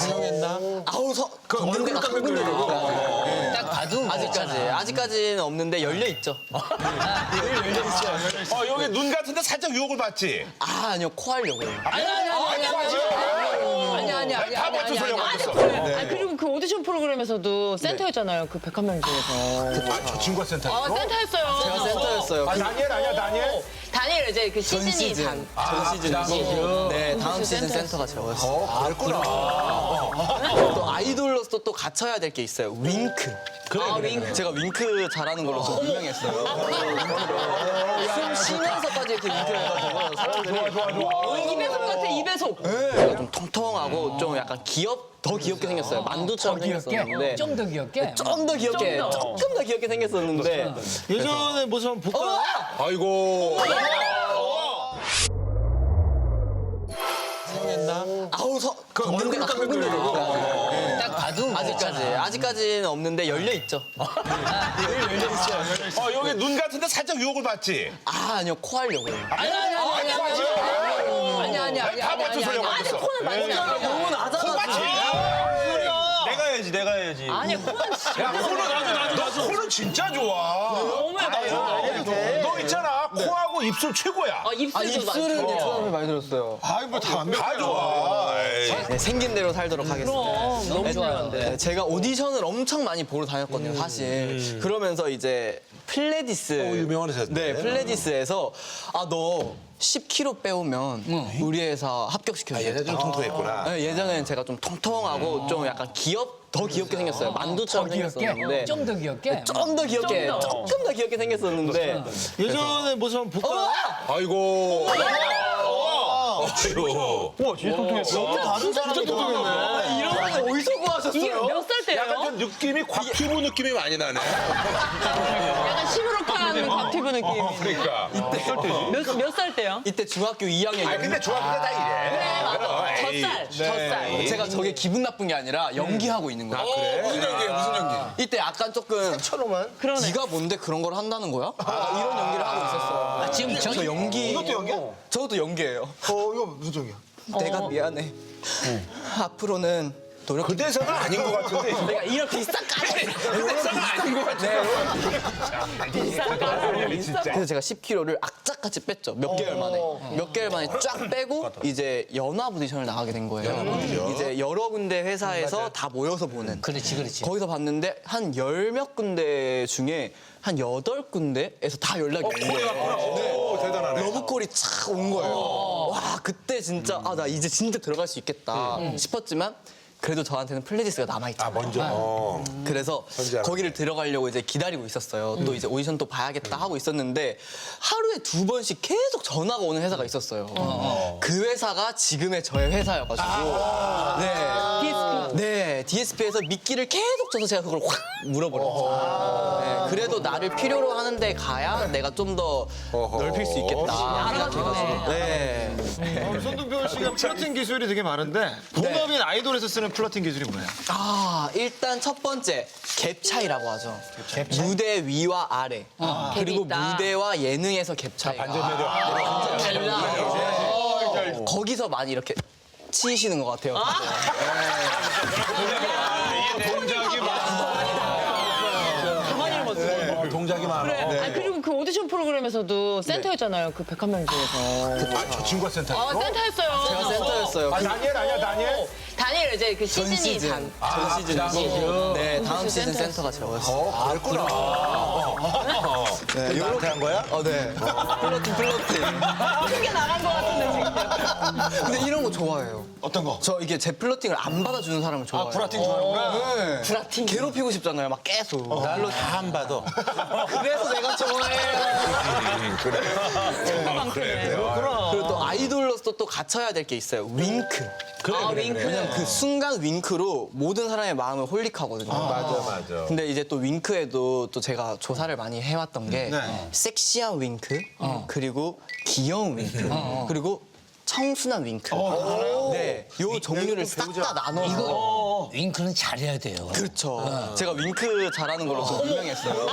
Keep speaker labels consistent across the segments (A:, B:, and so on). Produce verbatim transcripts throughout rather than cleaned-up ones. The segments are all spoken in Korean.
A: 성형했나?
B: 아우 서
A: 그
B: 없는
A: 얼굴
B: 데가 한
A: 깎은
B: 군데
A: 거예요.
B: 없어요.
C: 딱 봐도
B: 아직까지 아직까지는 없는데 열려 있죠.
A: 어, 여기 눈 같은데 살짝 유혹을 받지?
B: 아 아니요 코 하려고요.
C: 아니 아니 아니 아니 아니 아니 아니
A: 다
C: 아니
A: 맞춘 소리가
C: 아니
A: 맞았어.
D: 아니 그리고 그 오디션 프로그램에서도 센터였잖아요. 그 백한 명 중에서.
A: 아, 저 친구가 센터.
D: 아 센터였어요.
B: 제가 센터였어요.
A: 아,
B: 그
A: 다니엘 아니야, 다니엘?
D: 다니엘 이제 그
B: 전
D: 시즌이
B: 시즌
D: 단.
B: 전 시즌이고 네 다음 시즌 센터가 저였어요. 아, 그랬구나. 또 아이돌로서 또 갖춰야 될 게 있어요. 윙크.
D: 아 윙크.
B: 제가 윙크 잘하는 걸로 좀 유명했어요. 숨 쉬면서까지 이렇게 윙크를 해가지고 사람들이
A: 좋아, 좋아.
D: 어, 이배속 같아 이배속.
B: 제가 좀 통통하고 좀 약간 귀엽 더 귀엽게 생겼어요. 만두처럼 생겼었는데
C: 좀 더 귀엽게.
B: 좀 더 귀엽게
D: 좀 더.
B: 조금 더 귀엽게 생겼었는데
E: 예전에 모습 한번 볼까요?
A: 아이고.
E: 성형했나?
B: 아우 서
A: 그
B: 없는
A: 얼굴
B: 데가 한
A: 깎은
B: 군데
A: 거예요.
B: 없어요.
C: 딱 봐도
B: 아직까지 아직까지는 없는데 열려 있죠.
A: 어, 여기 눈 같은데 살짝 유혹을 받지?
B: 아 아니요 코 하려고요.
C: 아니 아니 아니 아니 아니 아니 아니
A: 다 맞춘 소리가
D: 아니
A: 맞았어.
D: 코는 많이 나.
B: 너무 나잖아.
E: 내가 해야지, 내가 해야지.
D: 아니 코는
A: 야, 코는 나도, 나도, 나도. 코는 진짜 좋아.
D: 너무 예뻐요.
A: 너 있잖아, 코하고 입술 최고야.
D: 아
B: 아
D: 입술도
B: 입술은
D: 많죠.
B: 이제 초등학교 많이 들었어요.
E: 아이, 뭐다 완벽해.
A: 다 좋아. 에이.
B: 네, 생긴 대로 살도록 하겠습니다.
D: 그럼 너무 좋아요.
B: 네, 제가 오디션을 엄청 많이 보러 다녔거든요, 사실. 그러면서 이제 플레디스.
A: 유명한 회사인데.
B: 네, 플레디스에서 아, 너 십 킬로그램 빼오면 우리 회사 합격시켜줘.
A: 아, 얘네 좀 통통했구나.
B: 네, 예전에는 제가 좀 통통하고 좀 약간 귀엽, 더 귀엽게 생겼어요. 만두처럼 생겼었는데.
C: 좀 더 귀엽게.
B: 좀 더 귀엽게,
D: 좀 더.
B: 조금 더 귀엽게 생겼었는데.
E: 예전에 모습 한번 볼까요?
A: 아이고. 아이고.
E: 와, 진짜 통통했어. 다른 사람이 통통했네.
B: 이런 거 어디서
D: 이게
B: 구하셨어요?
D: 몇 살 때예요?
A: 약간 좀 느낌이 곽튜브 느낌이 많이 나네.
D: 약간 시무룩한 곽튜브 느낌.
A: 그러니까.
D: 몇몇 살 때요?
B: 이때 중학교 이 학년.
A: 아, 근데 중학교 때 다 이래.
D: 맞아.
A: 에이.
D: 젖살, 젖살.
B: 제가 저게 기분 나쁜 게 아니라 연기하고 있는 거예요.
A: 그래?
E: 무슨 연기야, 무슨 연기?
B: 이때 약간 조금
E: 처럼만?
D: 그러네.
B: 네가 뭔데 그런 걸 한다는 거야? 약간 이런 연기를 하고 있었어요.
C: 아, 지금 저
B: 저 연기.
E: 이것도 연기야?
B: 저것도 연기예요.
E: 어, 이거 무슨 연기야?
B: 내가 미안해. 앞으로는 노력.
A: 그 대사는 아닌 것 같은데.
B: 내가 이런 비싼 까지.
A: 그 대사는 아닌 것 같은데.
B: 그래서 제가 십 킬로그램을 악착같이 뺐죠. 몇 개월 만에. 몇 개월 만에 쫙 빼고 이제 연합 오디션을 나가게 된 거예요. 이제 여러 군데 회사에서 다 모여서 보는.
C: 그렇지 그렇지.
B: 거기서 봤는데 한 열 몇 군데 중에 한 여덟 군데에서 다 연락이 온 거예요.
A: 오, 대단하네.
B: 러브콜이 착 온 거예요. 와 그때 진짜 아 나 이제 진짜 들어갈 수 있겠다 싶었지만 그래도 저한테는 플레디스가 남아있죠.
A: 아, 먼저. 어.
B: 그래서
A: 선지하는
B: 거기를 들어가려고 이제 기다리고 있었어요. 또 이제 오디션 또 봐야겠다 하고 있었는데 하루에 두 번씩 계속 전화가 오는 회사가 있었어요. 그 회사가 지금의 저의 회사여가지고 네.
D: 디에스피.
B: 네, 디에스피에서 미끼를 계속 줘서 제가 그걸 확 물어버렸죠. 네, 그래도 나를 필요로 하는데 가야 내가 좀 더 넓힐 수 있겠다 생각해가지고. 네.
E: 어, 손동표 씨가 플러팅 기술이 되게 많은데 본업인 아이돌에서 쓰는 플러팅 기술이 뭐예요?
B: 아, 일단 첫 번째 갭 차이라고 하죠. 무대 위와 아래. 그리고
D: 갭이 있다.
B: 무대와 예능에서 갭 차이가.
A: 반전 매력.
B: 달라. 거기서 많이 이렇게 치이시는 것 같아요.
A: 동작이
D: 가만히 맞죠.
A: 많아. 동작이 많아.
D: 아니 그리고 그 오디션 프로그램에서도 센터였잖아요. 그 백한 명 중에서.
A: 아, 저 친구가 센터.
D: 아 센터였어요.
B: 제가 센터였어요.
A: 아,
B: 그
A: 다니엘 아니야, 다니엘?
D: 다니엘 이제 그
B: 전
D: 시즌이
B: 시즌.
D: 단.
B: 전 시즌이고. 네, 다음 시즌
D: 센터였어요.
B: 센터가 저였어요.
A: 어, 그랬구나. 네, 나한테 한 거야?
B: 어, 네. 플러팅, 플러팅.
D: 크게 나간 것 같은데 지금.
B: 근데 이런 거 좋아해요.
E: 어떤 거?
B: 저 이게 제 플러팅을 안 받아주는 사람을 좋아해요.
E: 브라팅 좋아하는구나.
B: 네.
D: 브라팅.
B: 괴롭히고 싶잖아요, 막 계속.
A: 날로 다 안 받아.
B: 그래서 내가 좋아해요.
A: 그래. 아, 그래. 아,
B: 그리고 또 아이돌로서 또 갖춰야 될 게 있어요. 윙크.
A: 그래,
D: 아,
A: 그래,
D: 윙크.
A: 그래.
B: 왜냐면 그 순간 윙크로 모든 사람의 마음을 홀릭하거든요.
A: 맞아, 맞아.
B: 근데 이제 또 윙크에도 또 제가 조사를 많이 해왔던 게
E: 네.
B: 섹시한 윙크, 그리고 귀여운 윙크, 그리고 청순한 윙크. 네, 요 종류를 싹 다 나눠서.
C: 이거 윙크는 잘해야 돼요.
B: 그렇죠. 제가 윙크 잘하는 걸로 좀 유명했어요.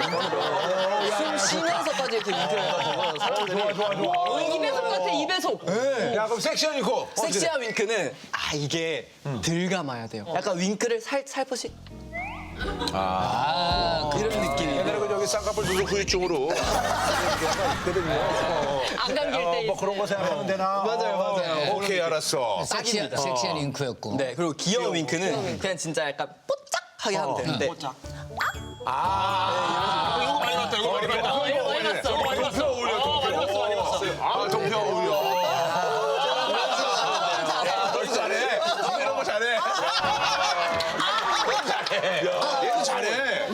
B: 숨 쉬면서까지 이렇게 윙크를 해가지고 사람들이
D: 이배속 같아, 이배속.
A: 야, 그럼 섹시한 윙크.
B: 섹시한 윙크는 아 이게 들 감아야 돼요. 약간 윙크를 살 살포시
C: 아,
B: 이런 느낌이.
A: 옛날에 그 저기 쌍꺼풀 수술 후유증으로 있거든요.
D: 안 감길
A: 어,
D: 때.
A: 뭐 그런 거 생각하면 되나?
B: 맞아요, 맞아요.
A: 오케이, 알았어.
C: 섹시한, 섹시한 윙크였고.
B: 네, 그리고 귀여운 윙크는 그냥 진짜 약간 뽀짝하게 하면 되는데
E: 이거 많이 봤다. 이거 많이 봤다.
D: 어, 이거 많이 봤어.
E: 이거 많이 봤어. 어, 많이 봤어. 많이 봤어.
A: 아, 동표 어울려. 야, 너 잘해. 이런 거 잘해. 잘해. 얘도 잘해.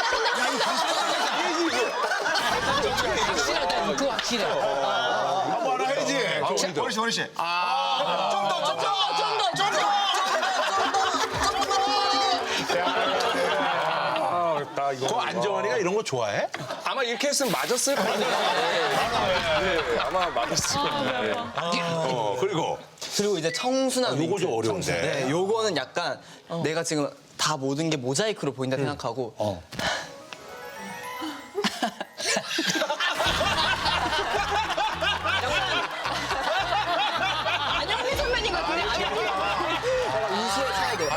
C: 확실하다, 윙크 확실해.
A: 한번 하나 해야지.
E: 원희 씨, 원희 씨.
A: 좀 더, 좀 더, 좀 더, 좀 더. 아, 그 안정환이가 이런 거 좋아해?
F: 아마 이렇게 했으면 맞았을 거예요. 네, 아마 맞았을 거예요.
A: 어, 그리고
B: 그리고 이제 청순한
A: 요거
B: 윙크.
A: 좀 어려운데.
B: 네, 요거는 약간 내가 지금 다 모든 게 모자이크로 보인다 생각하고
C: 어.
D: 안녕히 선배님 같은데? 안녕히.
B: 우수에 차야 돼요.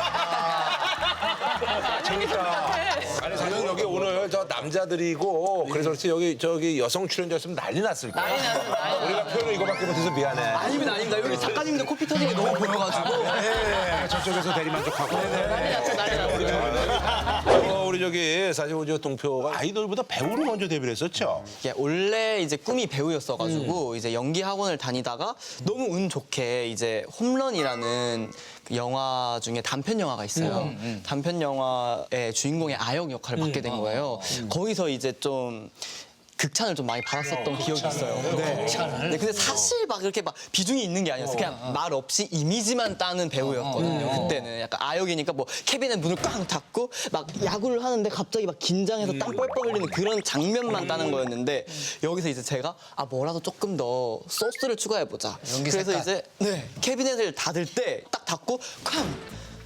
A: 아니 사실 여기 오늘 저 남자들이고 그래서 그렇지 여기 저기 여성 출연자였으면 난리 났을 거야.
D: 난리 났어, 난리 났어.
A: 우리가 표현을 이거밖에 못해서 미안해.
B: 아닙니다, 아닙니다. 여기 작가님들 코피 터진 게 너무 보여가지고.
A: 네, 저쪽에서 대리만족하고.
D: 난리 났어, 난리 났어.
A: 어, 우리 저기 사실 우리 저 동표가 아이돌보다 배우로 먼저 데뷔를 했었죠.
B: 이게 원래 이제 꿈이 배우였어가지고 이제 연기 학원을 다니다가 너무 운 좋게 이제 홈런이라는 그 영화 중에 단편 영화가 있어요. 단편 영화의 주인공의 아역 역할을 맡게 된 거예요. 거기서 이제 좀 극찬을 좀 많이 받았었던 기억이 있어요. 네. 네, 근데 사실 막 이렇게 막 비중이 있는 게 아니었어요. 그냥 말 없이 이미지만 따는 배우였거든요. 그때는 약간 아역이니까 뭐 케빈의 문을 꽝 닫고 막 야구를 하는데 갑자기 막 긴장해서 땀 뻘뻘 흘리는 그런 장면만 따는 거였는데 여기서 이제 제가 아 뭐라도 조금 더 소스를 추가해 보자.
C: 연기
B: 그래서
C: 색깔.
B: 이제 네 캐비넷을 닫을 때 딱 닫고 쾅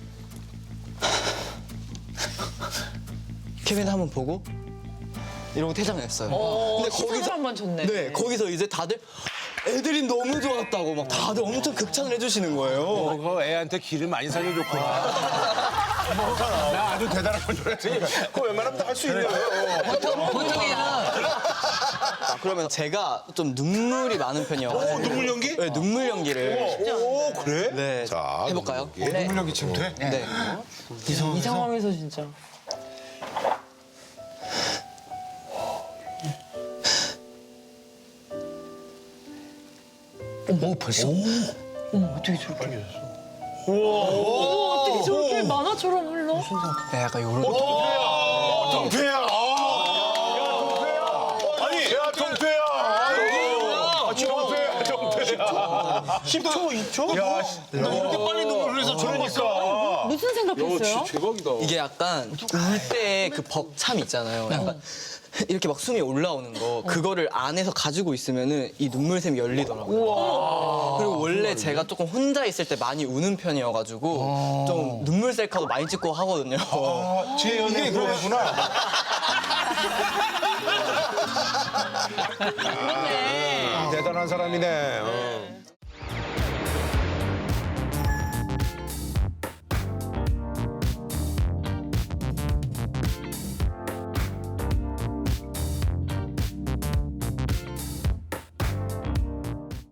B: 캐비넷 한번 보고 이러고 퇴장을 했어요.
D: 어, 시선을 한번 줬네.
B: 네, 거기서 이제 다들 애들이 너무 좋았다고 막 다들 엄청 극찬을 해주시는 거예요.
A: 그거 애한테 길을 많이 살려줬구나. 나 아주 대단한 건 줄 알았으니까. 그거 웬만하면 다 할 수 있는 거예요.
C: 보통, 보통에는
B: 아, 그러면 제가 좀 눈물이 많은 편이어가지고
A: 어, 눈물 연기?
B: 네, 눈물 연기를
A: 오, 그래?
B: 네,
A: 자,
B: 해볼까요?
A: 눈물 연기.
E: 눈물력이 지금 돼?
B: 네.
D: 이 상황에서 진짜.
C: 오, 벌써?
D: 어떻게 저렇게. 우와, 어떻게 저렇게 만화처럼 흘러?
B: 네, 약간 요런
A: 동표야! 아니, 야, 동표야! 아, 동표야, 동표야. 십 초, 이 초? 야,
E: 너 이렇게 빨리 눈물 흘려서 저런 거 있어.
D: 무슨 생각했어요?
F: 대박이다.
B: 이게 약간 울 때 그 벅참 있잖아요. 약간 이렇게 막 숨이 올라오는 거 그거를 안에서 가지고 있으면은 이 눈물샘이 열리더라고요. 그리고 원래 제가 조금 혼자 있을 때 많이 우는 편이어가지고 좀 눈물 셀카도 많이 찍고 하거든요.
A: 아, 제 연애 그거구나.
D: 그렇네.
A: 대단한 사람이네. 어.